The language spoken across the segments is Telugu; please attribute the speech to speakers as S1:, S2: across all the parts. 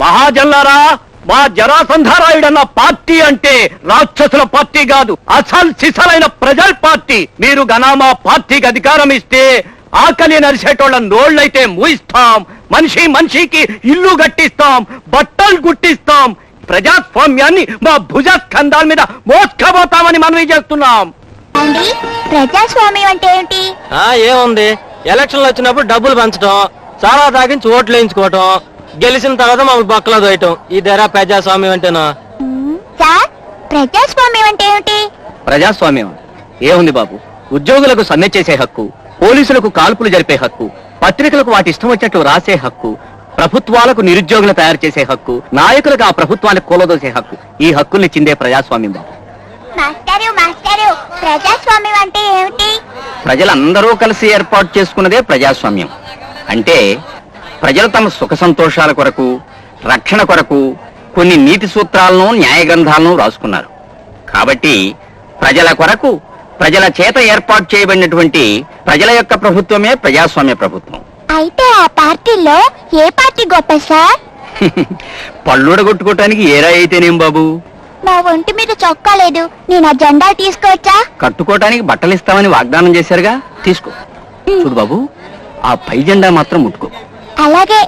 S1: మహాజన్లారా, మా జరాసంధారాయుడన్న పార్టీ అంటే రాక్షసుల పార్టీ కాదు, అసలు సిసలైన ప్రజల పార్టీ. మీరు గనా మా పార్టీకి అధికారం ఇస్తే ఆకలి నరిసేటోళ్ళ నోళ్ళైతే మూయిస్తాం, మనిషి మనిషికి ఇల్లు కట్టిస్తాం, బట్టలు గుట్టిస్తాం, ప్రజాస్వామ్యాన్ని మా భుజ స్కంధాల మీద మోసుకపోతామని మనవి చేస్తున్నాం.
S2: ప్రజాస్వామ్యం అంటే ఏంటి?
S3: ఏముంది, ఎలక్షన్లు వచ్చినప్పుడు డబ్బులు పంచడం, చాలా తాగించి ఓట్లు వేయించుకోవటం, గెలిచిన తర్వాత మమ్మల్ని బక్కలో దోయటం, ఇదేరా ప్రజాస్వామ్యం అంటేనా?
S2: సార్, ప్రజాస్వామ్యం అంటే ఏమిటి?
S1: ప్రజాస్వామ్యం ఏముంది బాబు, ఉద్యోగులకు సమ్మె చేసే హక్కు, పోలీసులకు కాల్పులు జరిపే హక్కు, పత్రికలకు వాటి ఇష్టం వచ్చినట్లు రాసే హక్కు, ప్రభుత్వాలకు నిరుద్యోగులు తయారు చేసే హక్కు, నాయకులకు ఆ ప్రభుత్వాన్ని కూలదోసే హక్కు. ఈ హక్కుల్ని చిందే ప్రజాస్వామ్యం బాబు.
S2: మాస్టారు, ప్రజాస్వామ్యం అంటే ఏమిటి?
S1: ప్రజలందరూ కలిసి ఏర్పాటు చేసుకున్నదే ప్రజాస్వామ్యం. అంటే ప్రజలు తమ సుఖ సంతోషాల కొరకు, రక్షణ కొరకు కొన్ని నీతి సూత్రాలను, న్యాయ గ్రంథాలను రాసుకున్నారు. కాబట్టి ప్రజల కొరకు, ప్రజల చేత ఏర్పాటు చేయబడినటువంటి ప్రజల యొక్క ప్రభుత్వమే ప్రజాస్వామ్య ప్రభుత్వం.
S2: అయితే ఆ పార్టీలో ఏ పార్టీ గొప్ప సార్?
S1: పళ్ళుడగొట్టుకోవటానికి ఏరా అయితేనేం బాబు.
S2: నా ఒంటి మీద చొక్కా లేదు, నేను ఆ జెండా తీసుకోవచ్చా?
S1: కట్టుకోవటానికి బట్టలు ఇస్తామని వాగ్దానం చేశారుగా, తీసుకో. చూడు బాబు, ఆ పై జెండా మాత్రం ముట్టుకో.
S2: అలాగే.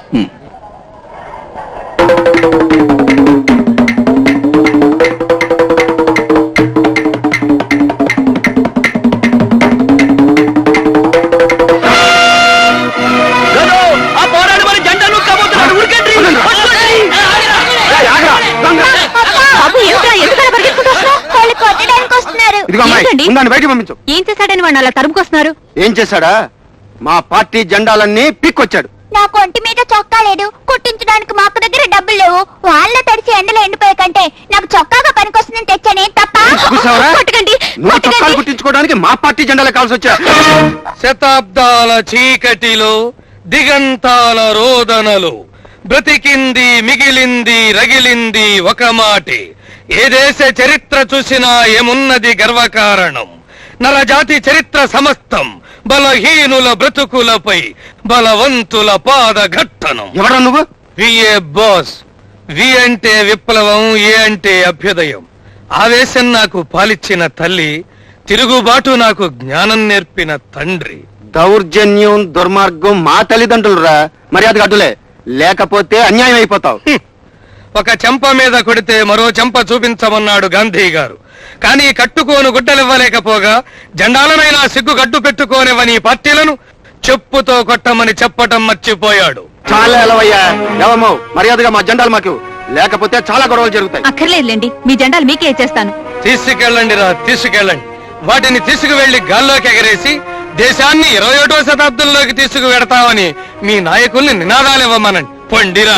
S4: ఏం చేశాడని వాడిని అలా తరుముకొస్తున్నారు?
S5: ఏం చేశాడా? మా పార్టీ జెండాలన్నీ పిక్కొచ్చాడు.
S2: నాకు ఒంటి మీద చొక్కా లేదు, కుట్టించడానికి మాకు దగ్గర డబ్బులు లేవు. వాళ్ళ తడిచి ఎండలో ఎండిపోయే కంటే నాకు చొక్కాగా పనికొస్తుందని తెచ్చానే తప్ప.
S5: నువ్వు చొక్కాలు కుట్టించుకోవడానికి మా పార్టీ జెండాలు కావాల్సి వచ్చా.
S6: శతాబ్దాల చీకటిలో దిగంతాల రోదనలు బ్రతికింది, మిగిలింది, రగిలింది ఒక మాటే. ఏ దేశ చరిత్ర చూసినా ఏమున్నది గర్వకారణం. నరజాతి చరిత్ర సమస్తం బలహీనుల బ్రతుకులపై బలవంతుల పాదఘట్టనం.
S5: ఎవరా నువ్వు?
S6: VA boss. వి అంటే విప్లవం, ఏ అంటే అభ్యుదయం. ఆవేశం నాకు పాలిచ్చిన తల్లి, తిరుగుబాటు నాకు జ్ఞానం నేర్పిన తండ్రి.
S5: దౌర్జన్యం, దుర్మార్గం మా తల్లిదండ్రులురా. మర్యాదగా అడ్డులే, లేకపోతే అన్యాయం అయిపోతావు.
S6: ఒక చెంప మీద కొడితే మరో చెంప చూపించమన్నాడు గాంధీ గారు. కానీ కట్టుకోను గుడ్డలివ్వలేకపోగా జెండాలనైనా సిగ్గు గడ్డు పెట్టుకోనివ్వని పార్టీలను చెప్పుతో కొట్టమని చెప్పటం మర్చిపోయాడు.
S5: చాలా ఎలవయ్యా, ఎవమో మర్యాదగా మా జెండాలు మాకు, లేకపోతే చాలా గొడవలు జరుగుతాయి.
S4: అక్కర్లేదులేండి, మీ జెండాలు మీకే ఇచ్చేస్తాను.
S6: తీసుకెళ్ళండి రా, తీసుకెళ్ళండి. వాటిని తీసుకువెళ్లి గాల్లోకి ఎగరేసి దేశాన్ని 21వ శతాబ్దంలోకి తీసుకువెడతామని మీ నాయకుల్ని నినాదాలు ఇవ్వమనండి. పొండిరా.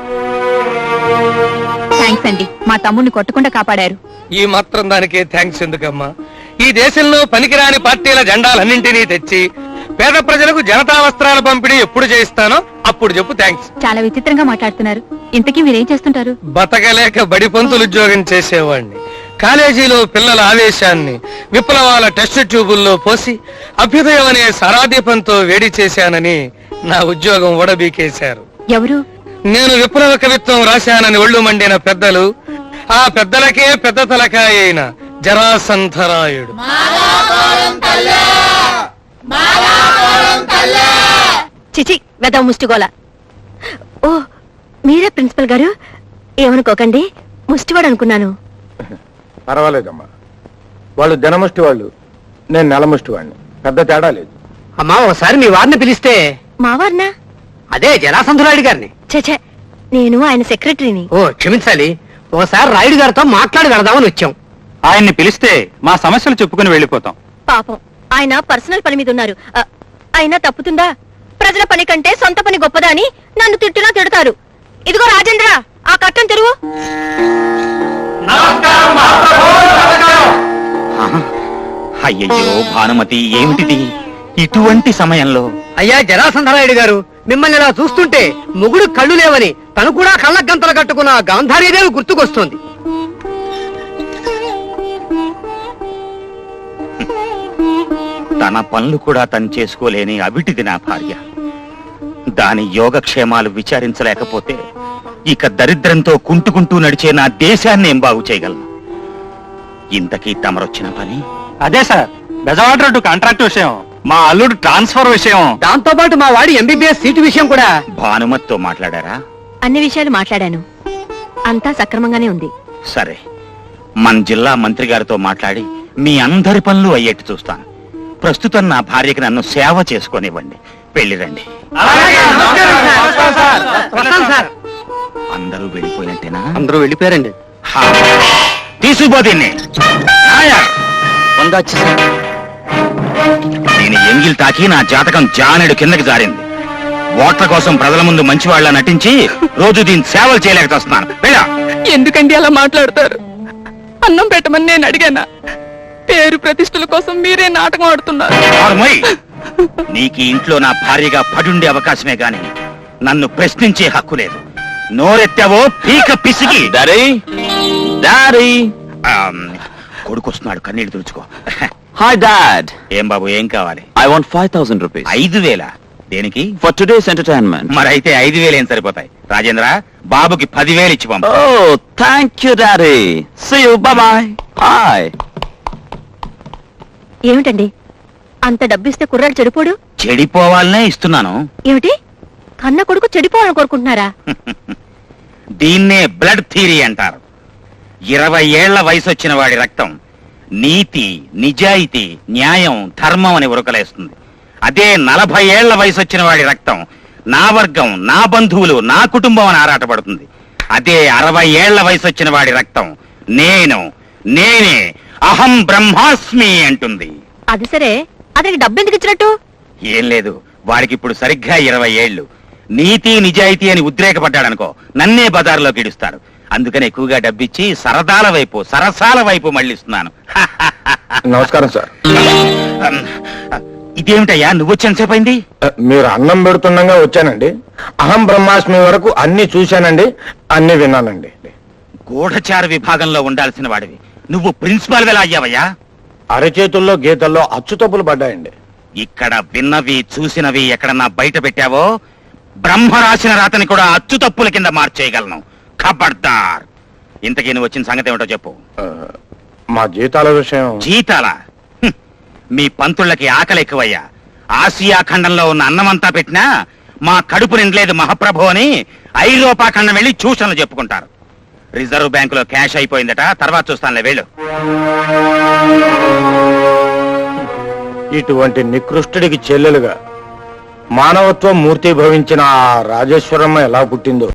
S4: థ్యాంక్స్ అండి, మా తమ్ముడిని కొట్టకుండా కాపాడారు.
S6: ఈ మాత్రం దానికే థ్యాంక్స్ ఎందుకమ్మా? ఈ దేశంలో పనికిరాని పార్టీల జెండాలన్నింటినీ తెచ్చి పేద ప్రజలకు జనతా వస్త్రాల పంపిణీ ఎప్పుడు చేయిస్తానో అప్పుడు చెప్పు థ్యాంక్స్.
S4: చాలా విచిత్రంగా మాట్లాడుతున్నారు. ఇంతకీ మీరేం చేస్తుంటారు?
S6: బతకలేక బడి పంతులు ఉద్యోగం చేసేవాడిని. కాలేజీలో పిల్లల ఆవేశాన్ని విప్లవాల టెస్ట్ ట్యూబుల్లో పోసి అభ్యుదయం అనే సారాదీపంతో వేడి చేశానని నా ఉద్యోగం ఓడబీకేశారు.
S4: ఎవరు?
S6: నేను విప్లవ కవిత్వం రాశానని ఒళ్ళు మండిన పెద్దలు, ఆ పెద్దలకే పెద్ద తలకాయ అయిన జరాసంధరాయుడు.
S4: చిచి, వెద ముష్టిగోల. ఓ, మీరే ప్రిన్సిపల్ గారు? ఏమనుకోకండి, ముష్టివాడు అనుకున్నాను.
S7: పర్వాలేదమ్మా, వాళ్ళు జనముష్టి వాళ్ళు, నేను నెలముష్టి వాడిని. పెద్ద తేడా లేదు.
S1: అమ్మా, ఒకసారి మీ వారిని పిలిస్తే.
S4: మావారినా?
S1: అదే జరాసంధరాయుడు గారిని.
S4: చచ్చే, నేను ఆయన సెక్రటరీని.
S1: ఓ క్షమించాలి, ఒకసారి రాయుడు గారితో మాట్లాడి వెళదామని వచ్చాం.
S7: ఆయన్ని పిలిస్తే మా సమస్యలు చెప్పుకుని వెళ్ళిపోతాం.
S4: పాపం, ఆయన పర్సనల్ పని మీద ఉన్నారు. అయినా తప్పుతుందా? ప్రజల పని కంటే సొంత పని గొప్పదా అని నన్ను తిట్టునా తిడతారు. ఇదిగో రాజేంద్ర, ఆ కట్టం తెరువు.
S8: అయ్యయ్యో భానుమతి, ఏమిటిది ఇటువంటి సమయంలో?
S1: అయ్యా జరాసంధరాయుడు గారు, మిమ్మల్ని ఇలా చూస్తుంటే మొగుడు కళ్ళు లేవని తను కూడా కళ్ళ గంతలు కట్టుకున్న గాంధారీదేవి గుర్తుకొస్తోంది.
S8: తన పనులు కూడా తను చేసుకోలేని అవిటిది నా భార్య. దాని యోగక్షేమాలు విచారించలేకపోతే ఇక దరిద్రంతో కుంటుకుంటూ నడిచే నా దేశాన్ని ఏం బాగు చేయగలను. ఇంతకీ తమరొచ్చిన పని?
S3: అదే సార్, బెజవాడ రోడ్డు కాంట్రాక్ట్ విషయం, మా అల్లుడు ట్రాన్స్ఫర్ విషయం,
S1: దాంతో పాటు మా వాడి ఎంబీబీఎస్ సీటు విషయం కూడా.
S8: భానుమతితో మాట్లాడారా?
S4: అన్ని విషయాలు మాట్లాడాను, అంతా సక్రమంగానే ఉంది.
S8: సరే, మన జిల్లా మంత్రి గారితో మాట్లాడి మీ అందరి పనులు అయ్యేట్టు చూస్తాను. ప్రస్తుతం నా భార్యకి నన్ను సేవ చేసుకొనివ్వండి. వెళ్ళిరండి. అందరూ వెళ్ళిపోయినట్టేనా?
S1: అందరూ వెళ్ళిపోయారండి.
S8: హా. తీసుకుపో దీన్ని. నాయర్, నేను ఎంగిల్ తాకి నా జాతకం జానెడు కిందకి జారింది. ఓట్ల కోసం ప్రజల ముందు మంచివాళ్ళ నటించి రోజు దీన్ని సేవలు చేయలేక వస్తున్నాను. వెళ్ళా.
S9: ఎందుకండి అలా మాట్లాడతారు? అన్నం పెట్టమని నేను అడిగానా? పేరు ప్రతిష్టల కోసం మీరే నాటకం ఆడుతున్నారు.
S8: ఆరుమోయ్. నీకు ఈ ఇంట్లో నా భార్యగా పడుండే అవకాశమే గాని నన్ను ప్రశ్నించే హక్కు లేదు. నోరెత్తావో పీక పిసికి. కొడుకొస్తున్నాడు, కన్నీళ్ళు తుడుచుకో.
S1: Hi dad.
S8: ఏం బాబు, ఏం కావాలి?
S1: I want 5,000 rupees
S8: 5,000? దేనికి?
S1: For today's entertainment.
S8: మరైతే 5,000 ఏం సరిపోతాయి? రాజేంద్ర, బాబుకి 10,000 ఇచ్చి పంపు.
S1: Oh thank you daddy. See you. Bye bye. Hi.
S4: ఏమిటండి అంత డబ్బిస్తే కుర్రాడు చెడిపోడు?
S8: చెడిపోవాలనే ఇస్తున్నాను.
S4: ఏమిటి, కన్న కొడుకు చెడిపోవాలని కోరుకుంటున్నారా?
S8: దీన్నే బ్లడ్ థియరీ అంటారు. 20 ఏళ్ల వయసు వచ్చిన వాడి రక్తం నీతి, నిజాయితీ, న్యాయం, ధర్మం అని ఉరకలేస్తుంది. అదే 40 ఏళ్ల వయసు వచ్చిన వాడి రక్తం నా వర్గం, నా బంధువులు, నా కుటుంబం అని ఆరాటపడుతుంది. అదే 60 ఏళ్ల వయసు వచ్చిన వాడి రక్తం నేనే, అహం బ్రహ్మాస్మి అంటుంది.
S4: అది సరే, అతనికి డబ్బు ఎందుకు ఇచ్చినట్టు?
S8: ఏం లేదు, వాడికి ఇప్పుడు సరిగ్గా 20 ఏళ్లు. నీతి నిజాయితీ అని ఉద్రేకపడ్డాడనుకో, నన్నే బజార్లోకి ఇడుస్తారు. అందుకని ఎక్కువగా డబ్బిచ్చి సరదాల వైపు, సరసాల వైపు మళ్ళిస్తున్నాను.
S7: నమస్కారం సార్.
S8: ఇదేమిటయ్యా, నువ్వొచ్చేంతసేపైంది?
S7: మీరు అన్నం పెడుతుండగా వచ్చానండి. అహం బ్రహ్మాస్మి వరకు అన్ని చూశానండి, అన్ని విన్నానండి.
S8: గూఢచార విభాగంలో ఉండాల్సిన వాడివి నువ్వు ప్రిన్సిపాల్ ఎలా అయ్యావయ్యా?
S7: అరచేతుల్లో గీతల్లో అచ్చుతప్పులు పడ్డాయండి.
S8: ఇక్కడ విన్నవి చూసినవి ఎక్కడన్నా బయట పెట్టావో బ్రహ్మ రాసిన రాతని కూడా అచ్చు తప్పుల కింద మార్చేయగలను. ఖబర్దార్. ఇంతకీ నువ్వు వచ్చిన సంగతి ఏమిటో చెప్పు.
S7: మా జీతాల విషయం.
S8: జీతాల? మీ పంతుళ్ళకి ఆకలి ఎక్కువయ్యా. ఆసియా ఖండంలో ఉన్న అన్నమంతా పెట్టినా మా కడుపు నిండలేదు మహాప్రభు అని ఐరోపా ఖండం వెళ్ళి ట్యూషన్లు చెప్పుకుంటారు. రిజర్వ్ బ్యాంకులో క్యాష్ అయిపోయిందట, తర్వాత చూస్తానులే, వెళ్ళు.
S7: ఇటువంటి నికృష్టుడికి చెల్లెలుగా మానవత్వం మూర్తి భవించిన ఆ రాజేశ్వరమ్మ ఎలా పుట్టిందో